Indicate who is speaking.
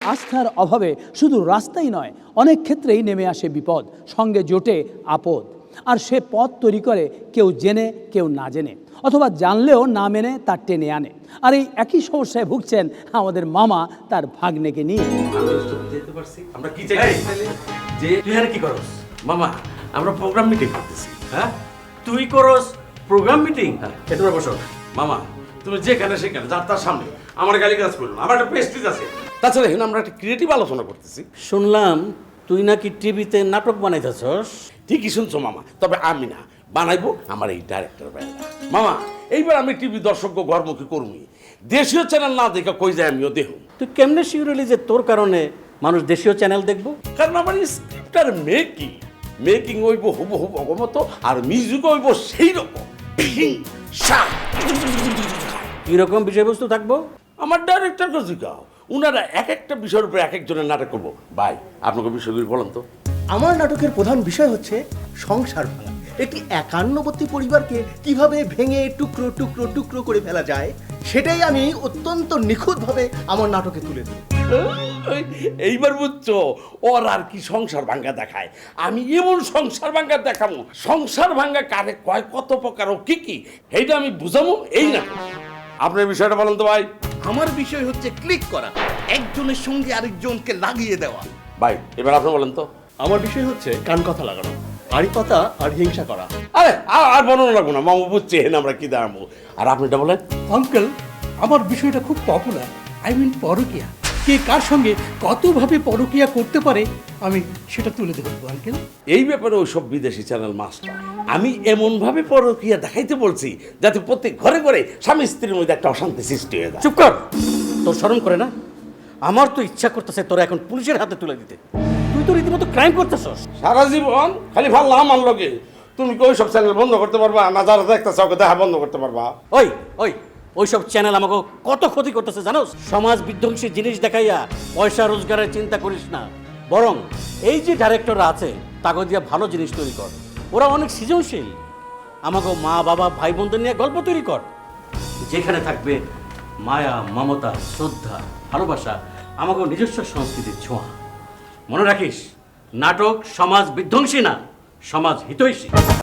Speaker 1: আস্থার অভাবে শুধু রাস্তাই নয়, অনেক ক্ষেত্রেই নেমে আসে বিপদ, সঙ্গে জোটে আপদ। আর সে পথ তৈরি করে কেউ জেনে, কেউ না জেনে, অথবা জানলেও না মেনে তার টেনে আনে। আর এই একই সমস্যায় ভুগছেন আমাদের মামা তার ভাগ্নেকে নিয়ে।
Speaker 2: আমরা কি চাই যে তুই আর কি করস? মামা, আমরা প্রোগ্রাম মিটিং করতেছি। হ্যাঁ, তুই করস প্রোগ্রাম মিটিং? এটা বসো। মামা, তুমি যেখানে সেখানে যার তার সামনে আমার গালিগালাজ করো না, আমার একটা প্রেস্টিজ আছে। তাছাড়া এখানে আমরা একটা ক্রিয়েটিভ আলোচনা করতেছি।
Speaker 3: শুনলাম তুই নাকি টিভিতে নাটক বানাইতেছস।
Speaker 2: ঠিকই শুনছো মামা, তবে আমি না, বানাইবো আমার এই ডাইরেক্টর ভাইরা। মামা, এইবার আমি টিভি দর্শক ঘরমুখী কর্মী, দেশীয় চ্যানেল না দেখে কই যায় আমিও দেখব।
Speaker 3: তুই কেমনে শিউরলি যে তোর কারণে মানুষ দেশীয় চ্যানেল দেখবো?
Speaker 2: কারণ আমার স্ক্রিপ্টার মেকিং হইব হুবহু অগমতো, আর মিউজিক হইব সেই রকম।
Speaker 3: কিরকম বিষয়বস্তু থাকবো?
Speaker 2: আমার ডাইরেক্টরকে জিজ্ঞাও, উনারা এক একটা বিষয়ের উপরে এক একজনের নাটক করবো। ভাই, আপনাকে বিষয়গুলি বলেন তো।
Speaker 4: আমার নাটকের প্রধান বিষয় হচ্ছে সংসার ভাঙা। একটি একান্নবর্তী পরিবারকে কিভাবে ভেঙে টুকরো টুকরো টুকরো করে ফেলা যায়, সেটাই আমি অত্যন্ত নিখুঁতভাবে আমার নাটকে তুলে দিই।
Speaker 2: এইবার বুঝছো, ওর আর কি সংসার ভাঙ্গা দেখায়, আমি এমন সংসার ভাঙ্গা দেখাবো। সংসার ভাঙ্গা কারে কয়, কত প্রকার, ও কি কি, এইটা আমি বুঝাবো এই না। আপনার বিষয়টা বলেন তো ভাই।
Speaker 4: আমার বিষয় হচ্ছে ক্লিক করা, একজনের সঙ্গে আরেকজনকে লাগিয়ে দেওয়া।
Speaker 2: ভাই, এবার আপনি বলেন তো।
Speaker 4: আমার বিষয় হচ্ছে কান কথা লাগানো, আড়ি পাতা আর হিংসা করা।
Speaker 2: আরে আর বর্ণনা লাগবো না, মামু বুঝছেন আমরা কি দাঁড়াবো। আর আপনি এটা বলেন।
Speaker 5: আঙ্কেল, আমার বিষয়টা খুব পপুলার। আই মিন পরকিয়া। কে কার সঙ্গে কতভাবে পরকিয়া করতে পারে আমি সেটা তুলে ধরবো আঙ্কেল।
Speaker 2: এই ব্যাপারে ওইসব বিদেশি চ্যানেল মাস্টার, আমি এমন ভাবে পরকীয়া দেখাইতে বলছি যাতে প্রত্যেক ঘরে ঘরে স্বামী স্ত্রীর মধ্যে একটা অশান্তি সৃষ্টি হয়ে যায়।
Speaker 3: চুপ কর, তোর শরম করে না? আমার তো ইচ্ছা করতেছে তোরা এখন পুলিশের হাতে তুলে দিতে। তুই তো রীতিমতো ক্রাইম করতেছস।
Speaker 2: সারা জীবন খালি ভাল্লা আমার লগে, তুমি কি ওইসব চ্যানেল বন্ধ করতে পারবা না? যারা দেখতেছে ওকে দেখা বন্ধ করতে পারবা?
Speaker 3: ওইসব চ্যানেল আমাকে কত ক্ষতি করতেছে জানোস? সমাজ বিধ্বংসী জিনিস দেখাইয়া পয়সা রোজগারের চিন্তা করিস না, বরং এই যে ডাইরেক্টররা আছে তাকে দিয়ে ভালো জিনিস তৈরি কর। ওরা অনেক সৃজনশীল। আমাকে মা বাবা ভাই বোনদের নিয়ে গল্প তৈরি কর, যেখানে থাকবে মায়া, মমতা, শ্রদ্ধা, ভালোবাসা, আমাকে নিজস্ব সংস্কৃতির ছোঁয়া। মনে রাখিস, নাটক সমাজ বিধ্বংসী না, সমাজ হিতৈষী।